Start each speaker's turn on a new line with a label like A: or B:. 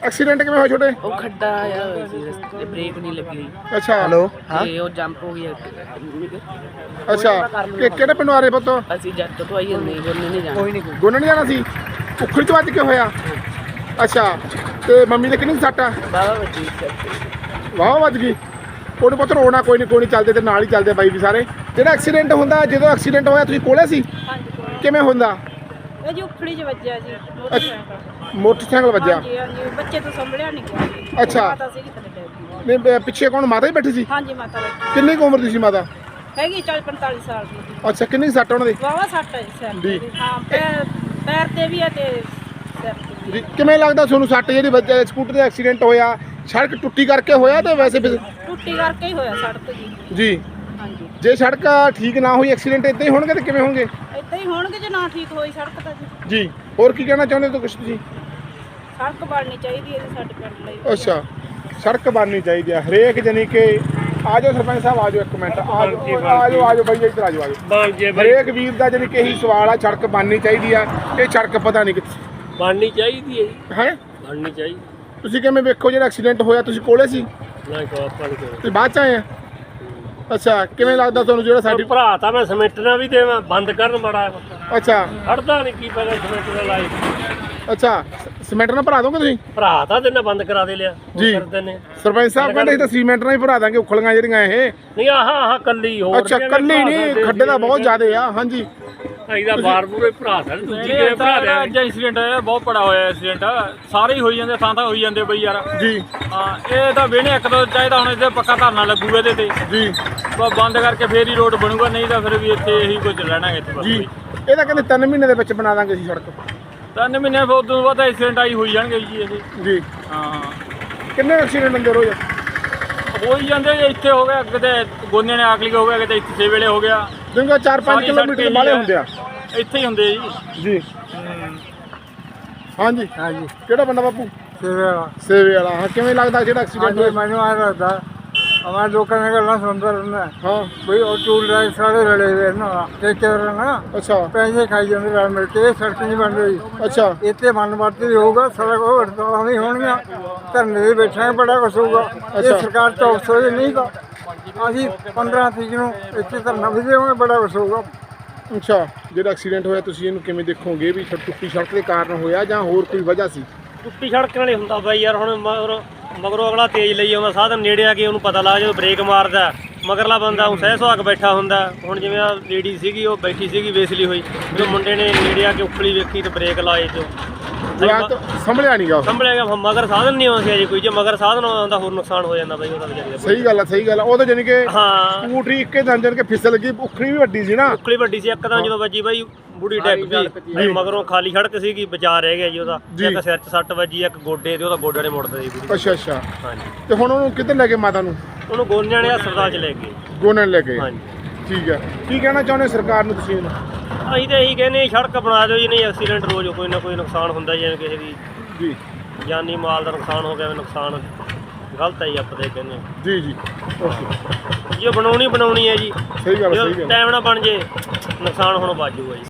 A: Accident किवें होया छोटे?
B: ਉਹ ਖੱਡਾ ਆਇਆ ਹੋਇਆ ਸੀ ਰਸਤੇ ਬ੍ਰੇਕ ਨਹੀਂ ਲੱਗੀ ਹੋਈ
A: अच्छा हेलो
B: ਤੇ ਉਹ ਜੰਪ ਹੋ ਗਿਆ
A: अच्छा ਕਿਹੜੇ ਪਿੰਡੋਂ ਆ ਰਹੇ ਪੁੱਤ?
B: ਅਸੀਂ ਜੱਟ ਤੋਂ ਆਈ ਹੁੰਦੇ ਗੋਨੇ ਨਹੀਂ ਜਾਣਾ
A: ਗੋਨੇ ਨਹੀਂ ਜਾਣਾ ਸੀ ਉਖੜੀ ਚ ਵੱਜ ਕੇ ਹੋਇਆ ਅੱਛਾ ਤੇ ਮੰਮੀ ਦੇ ਕਿੰਨੀ ਸੱਟ ਆ?
B: ਬਾਬਾ ਬੱਚੀ
A: ਵਾਹ ਵੱਜ ਗਈ ਉਹਨੂੰ ਪੁੱਤ ਰੋਣਾ ਕੋਈ ਨਹੀਂ ਚੱਲਦੇ ਤੇ ਨਾਲ ਹੀ ਚੱਲਦੇ ਬਾਈ ਵੀ ਸਾਰੇ ਜਿਹੜਾ ਐਕਸੀਡੈਂਟ ਹੁੰਦਾ ਜਦੋਂ ਐਕਸੀਡੈਂਟ ਹੋਇਆ ਤੁਸੀਂ ਕੋਲੇ ਸੀ ਕਿਵੇਂ ਹੁੰਦਾ?
C: ਇਹ ਜੀ ਉਖੜੀ ਚ ਵੱਜਿਆ ਜੀ
A: ਮੋਟਰਸਾਈਕਲ ਵੱਜਿਆ
C: ਹਾਂਜੀ ਹਾਂਜੀ ਬੱਚੇ ਤੋਂ ਸੰਭਲਿਆ ਨਹੀਂ ਗਿਆ ਜੀ
A: ਅੱਛਾ
C: ਮਾਤਾ ਸੀ ਥੱਲੇ ਡਿੱਗ ਗਈ।
A: ਨਹੀਂ ਪਿੱਛੇ ਕੌਣ ਮਾਤਾ ਹੀ ਬੈਠੀ ਸੀ?
C: ਹਾਂਜੀ ਮਾਤਾ ਬੈਠੀ
A: ਕਿੰਨੀ ਕੁ ਉਮਰ ਦੀ ਸੀ ਮਾਤਾ?
C: ਹੈਗੀ 40 45 ਸਾਲ ਦੀ ਜੀ
A: ਅੱਛਾ ਕਿੰਨੀ ਸੱਟ ਉਹਨਾਂ ਦੀ?
C: ਵਾਵਾ ਸੱਟ ਹੈ ਜੀ ਸਿਰ
A: ਜੀ।
C: ਤੇ ਹਾਂ ਪੈਰ ਤੇ ਵੀ ਹੈ ਤੇ ਸਿਰ ਤੇ ਵੀ
A: ਜੀ ਕਿਵੇਂ ਲੱਗਦਾ ਤੁਹਾਨੂੰ ਸੱਟ ਜਿਹੜੀ ਵੱਜਿਆ ਸਕੂਟਰ ਦਾ ਐਕਸੀਡੈਂਟ ਹੋਇਆ ਸੜਕ ਟੁੱਟੀ ਕਰਕੇ ਹੋਇਆ ਤੇ ਵੈਸੇ
C: ਟੁੱਟੀ ਕਰਕੇ ਹੀ ਹੋਇਆ ਸੜਕ ਜੀ
A: ਜੀ
C: ਹਾਂਜੀ
A: ਜੇ ਸੜਕ ਠੀਕ ਨਾ ਹੋਈ ਐਕਸੀਡੈਂਟ ਇਦਾਂ ਹੀ ਹੋਣਗੇ ਤੇ ਕਿਵੇਂ ਹੋਣਗੇ?
C: ਏਦਾਂ ਹੀ ਹੋਣਗੇ ਜੇ ਨਾ ਠੀਕ ਹੋਈ ਸੜਕ ਤਾਂ ਜੀ
A: ਜੀ ਹੋਰ ਕੀ ਕਹਿਣਾ ਚਾਹੁੰਦੇ ਹੋ ਕੁਛ ਤੁਸੀਂ?
C: ਸੜਕ ਬਣਨੀ ਚਾਹੀਦੀ ਹੈ ਜੀ ਸਾਡੇ ਪਿੰਡ ਲਈ
A: ਅੱਛਾ ਸੜਕ ਬਣਨੀ ਚਾਹੀਦੀ ਹੈ ਹਰੇਕ ਜਾਨੀ ਕਿ ਆ ਜਾਓ ਸਰਪੰਚ ਸਾਹਿਬ ਆ ਜਾਓ ਇੱਕ ਮਿੰਟ ਆ ਜਾਓ ਬਾਈ ਇੱਧਰ ਆ ਜਾਓ ਹਰੇਕ ਵੀਰ ਦਾ ਜਾਨੀ ਕਿ ਇਹੀ ਸਵਾਲ ਆ ਸੜਕ ਬਣਨੀ ਚਾਹੀਦੀ ਆ ਇਹ ਸੜਕ ਪਤਾ ਨਹੀਂ ਕਿੱਥੇ
D: ਬਣਨੀ ਚਾਹੀਦੀ ਹੈ
A: ਹੈ
D: ਬਣਨੀ ਚਾਹੀਦੀ
A: ਤੁਸੀਂ ਕਿਵੇਂ ਵੇਖੋ ਜਿਹੜਾ ਐਕਸੀਡੈਂਟ ਹੋਇਆ ਤੁਸੀਂ ਕੋਲੇ ਸੀ
D: ਨਾ ਕੋ ਆਪਾਂ ਨਹੀਂ
A: ਤੁਸੀਂ ਬਾਅਦ ਚ ਆਏ ਆ ਅੱਛਾ ਕਿਵੇਂ ਲੱਗਦਾ ਤੁਹਾਨੂੰ ਜਿਹੜਾ
D: ਸਾਡੀ
A: ਸਾਡੀ
D: ਭਰਾ ਤਾਂ ਮੈਂ ਸਮਿਟਣਾ ਵੀ ਦੇਵਾਂ ਬੰਦ ਕਰਨ ਬੜਾ
A: ਅੱਛਾ
D: ਹੜਦਾ ਨਹੀਂ ਕੀ ਪਤਾ ਸਮਿਟਣਾ ਲਾਈ
A: ਅੱਛਾ ਸੀਮੈਂਟ ਨਾਲ ਭਰਾ ਦੋਗੇ ਤੁਸੀਂ?
D: ਭਰਾ ਤਾਂ ਦਿਨ ਬੰਦ ਕਰਾ ਦੇ ਲਿਆ
A: ਜੀ।
D: ਕਰਦੇ ਨੇ
A: ਸਰਪੰਚ ਸਾਹਿਬ ਕਹਿੰਦੇ ਅਸੀਂ ਤਾਂ ਸੀਮੈਂਟ ਨਾਲ ਹੀ ਭਰਾ ਦਾਂਗੇ ਉਖਲੀਆਂ ਜਿਹੜੀਆਂ ਇਹ
D: ਨਹੀਂ ਆਹ ਕੱਲੀ ਹੋਰ
A: ਅੱਛਾ ਕੱਲੀ ਨਹੀਂ ਖੱਡੇ ਦਾ ਬਹੁਤ ਜ਼ਿਆਦੇ ਆ ਹਾਂਜੀ
D: ਇਹਦਾ ਬਾਰ ਬੂਰੇ ਭਰਾ ਤਾਂ ਦੂਜੀ ਕਿਹੜੇ ਭਰਾ ਦੇ
E: ਅੱਜ ਐਕਸੀਡੈਂਟ ਹੋਇਆ ਬਹੁਤ ਬੜਾ ਹੋਇਆ ਐਕਸੀਡੈਂਟ ਸਾਰੇ ਹੀ ਹੋਈ ਜਾਂਦੇ ਥਾਂ ਹੋਈ ਜਾਂਦੇ ਬਈ ਯਾਰ
A: ਜੀ
E: ਹਾਂ ਇਹ ਤਾਂ ਵੇਣੇ ਇੱਕ ਦੋ ਚਾਹੀਦਾ ਹੁਣ ਇਹਦੇ ਪੱਕਾ ਧਰਨਾ ਲੱਗੂਗਾ ਇਹਦੇ ਤੇ
A: ਜੀ
E: ਬੰਦ ਕਰਕੇ ਫੇਰ ਹੀ ਰੋਡ ਬਣੂਗਾ ਨਹੀਂ ਤਾਂ ਫਿਰ ਵੀ ਇੱਥੇ ਇਹੀ ਕੁਝ ਰਹਿਣਾ ਇੱਥੇ ਬਸ
A: ਜੀ ਇਹਦਾ ਕਹਿੰਦੇ 3 ਮਹੀਨੇ ਦੇ ਵਿੱਚ ਬਣਾ ਦਾਂਗੇ ਅਸੀਂ ਸੜਕ
E: 3 ਮਹੀਨੇ ਫਿਰ ਉਦੋਂ ਬਾਅਦ ਐਕਸੀਡੈਂਟ ਆਈ ਹੋਈ ਜਾਣਗੇ ਜੀ ਇਹ
A: ਜੀ
E: ਹਾਂ
A: ਕਿੰਨੇ ਐਕਸੀਡੈਂਟ ਹੁੰਦੇ ਰੋਜ਼?
E: ਹੋਈ ਜਾਂਦੇ ਜੀ, ਇੱਥੇ ਹੋ ਗਿਆ ਕਿਤੇ ਗੋਨੇ ਨੇ ਆਖਲੀ ਹੋ ਗਿਆ ਕਿਤੇ ਇੱਥੇ 6 ਵੇਲੇ ਹੋ ਗਿਆ
A: ਜਿੰਗਾ 4-5 ਕਿਲੋਮੀਟਰ ਵਾਲੇ ਹੁੰਦੇ ਆ
E: ਇੱਥੇ ਹੀ ਹੁੰਦੇ ਜੀ
A: ਜੀ ਹਾਂਜੀ
F: ਹਾਂਜੀ
A: ਕਿਹੜਾ ਬੰਦਾ ਬਾਪੂ?
F: ਸੇਵਾ
A: ਸੇਵੇ ਵਾਲਾ ਹਾਂ ਕਿਵੇਂ ਲੱਗਦਾ ਜਿਹੜਾ ਐਕਸੀਡੈਂਟ
F: ਹਾਂਜੀ
A: ਹੋਇਆ?
F: ਮੈਨੂੰ ਆ ਲੱਗਦਾ ਹਮਾਰੇ ਲੋਕਾਂ ਨੇ ਗੱਲਾਂ ਸੁਣਦਾ ਰਹਿੰਦਾ
A: ਹਾਂ
F: ਕੋਈ ਉਹ ਟੂਲ ਡਰਾਈਵਰ ਸਾਰੇ ਰਲੇ ਹੋਏ ਨਾ ਠੇਕੇਦਾਰ ਨਾ
A: ਅੱਛਾ
F: ਪੈਸੇ ਖਾਈ ਜਾਂਦੇ ਰਲ ਮਿਲ ਕੇ ਇਹ ਸੜਕ ਨਹੀਂ ਬਣ ਰਹੀ
A: ਅੱਛਾ
F: ਇੱਥੇ ਮਨ ਵਰਤੀ ਹੋਊਗਾ ਸੜਕ ਉਹ ਹੜਤਾਲਾਂ ਨਹੀਂ ਹੋਣਗੀਆਂ ਧਰਨੇ ਦੇ ਬੈਠਾਂਗੇ ਬੜਾ ਕੁਛ ਹੋਊਗਾ
A: ਅੱਛਾ।
F: ਇਹ ਸਰਕਾਰ ਚੌਕਸੋ ਦੇ ਨਹੀਂ ਗਾ ਅਸੀਂ 15 ਤਰੀਕ ਨੂੰ ਇੱਥੇ ਧਰਨਾ ਵੀ ਦੇਵਾਂਗੇ ਬੜਾ ਕੁਛ ਹੋਊਗਾ
A: ਅੱਛਾ ਜਿਹੜਾ ਐਕਸੀਡੈਂਟ ਹੋਇਆ ਤੁਸੀਂ ਇਹਨੂੰ ਕਿਵੇਂ ਦੇਖੋਗੇ ਵੀ ਟੁੱਟੀ ਸੜਕ ਦੇ ਕਾਰਨ ਹੋਇਆ ਜਾਂ ਹੋਰ ਕੋਈ ਵਜ੍ਹਾ ਸੀ?
D: ਟੁੱਟੀ ਸੜਕ ਨਾਲ ਹੀ ਹੁੰਦਾ ਬਾਈ ਯਾਰ ਹੁਣ ਮਗਰੋਂ ਅਗਲਾ ਤੇਜ਼ ਲਈ ਆਉਂਦਾ ਸਾਧਨ ਨੇੜੇ ਆ ਕੇ ਉਹਨੂੰ ਪਤਾ ਲੱਗ ਜਦੋਂ ਬ੍ਰੇਕ ਮਾਰਦਾ ਮਗਰਲਾ ਬੰਦਾ ਉਹ ਸਹਿ ਸੁਹਾਗ ਬੈਠਾ ਹੁੰਦਾ ਹੁਣ ਜਿਵੇਂ ਆ ਲੇਡੀ ਸੀਗੀ ਉਹ ਬੈਠੀ ਸੀਗੀ ਵੇਸਲੀ ਹੋਈ ਜਦੋਂ ਮੁੰਡੇ ਨੇ ਨੇੜੇ ਆ ਕੇ ਉਖਲੀ ਵੇਖੀ ਤੇ ਬ੍ਰੇਕ ਲਾਏ ਜੋ
A: ਜਵਾਕ ਸੰਭਲਿਆ ਨਹੀਂ ਗਾ
D: ਸੰਭਲਿਆ ਗਿਆ ਮਗਰ ਸਾਧਨ ਨਹੀਂ ਆਉਂਦਾ ਜੀ ਕੋਈ ਜੇ ਮਗਰ ਸਾਧਨ ਆਉਂਦਾ ਹੋਰ ਨੁਕਸਾਨ ਹੋ ਜਾਂਦਾ ਬਾਈ ਉਹਦਾ ਵਿਚਾਰੀ ਦਾ
A: ਸਹੀ ਗੱਲ ਆ ਉਹ ਤਾਂ ਜਾਨੀ ਕਿ
D: ਹਾਂ
A: ਸਕੂਟਰੀ ਇੱਕੇ ਦੰਜਨ ਕੇ ਫਿਸਲ ਗਈ ਉਖੜੀ ਵੀ ਵੱਡੀ ਸੀ ਨਾ
D: ਉਖਲੀ ਵੱਡੀ ਸੀ ਇੱਕਦਮ ਜਦੋਂ ਵੱਜੀ ਬਾਈ ਬੁੜੀ ਡੈਕ ਵੀ ਮਗਰੋਂ ਖਾਲੀ ਸੜਕ ਸੀਗੀ ਬਚਾ ਰਹਿ ਗਿਆ ਜੀ ਉਹਦਾ ਇੱਕ ਸਿਰ 'ਚ ਸੱਟ ਵੱਜੀ ਇੱਕ ਗੋਡੇ ਤੇ ਉਹਦਾ ਗੋਡਾ ਨੇ ਮੁੜਦਾ ਜੀ ਬੁੜੀ
A: ਅੱਛਾ
D: ਹਾਂਜੀ
A: ਤੇ ਹੁਣ ਉਹਨੂੰ ਕਿੱਧਰ ਲੈ ਕੇ ਮਾਤਾ ਨੂੰ?
D: ਉਹਨੂੰ ਗੋਨਿਆਂ ਨੇ ਹਸਪਤਾਲ 'ਚ ਲੈ ਗਏ
A: ਗੋਨਣ ਲੈ ਕੇ
D: ਹਾਂਜੀ
A: ਠੀਕ ਹੈ ਕੀ ਕਹਿਣਾ ਚਾਹੁੰਦੇ ਸਰਕਾਰ ਨੂੰ ਤੁਸੀਂ ਇਹਨੂੰ?
D: ਅਸੀਂ ਤਾਂ ਇਹੀ ਕਹਿੰਦੇ ਸੜਕ ਬਣਾ ਦਿਓ ਜੀ ਨਹੀਂ ਐਕਸੀਡੈਂਟ ਰੋਜ਼ ਕੋਈ ਨਾ ਕੋਈ ਨੁਕਸਾਨ ਹੁੰਦਾ ਜਿਵੇਂ ਕਿਸੇ ਦੀ
A: ਜੀ
D: ਜਾਨੀ ਮਾਲ ਦਾ ਨੁਕਸਾਨ ਹੋ ਗਿਆ ਨੁਕਸਾਨ ਗਲਤ ਹੈ ਜੀ ਆਪਾਂ ਤਾਂ ਕਹਿੰਦੇ ਹਾਂ
A: ਜੀ ਓਕੇ
D: ਜੇ ਬਣਾਉਣੀ ਹੈ ਜੀ
A: ਸਹੀ ਗੱਲ
D: ਟਾਈਮ ਨਾਲ ਬਣ ਜੇ ਨੁਕਸਾਨ ਹੁਣ ਵੱਜ ਜਾਊਗਾ ਜੀ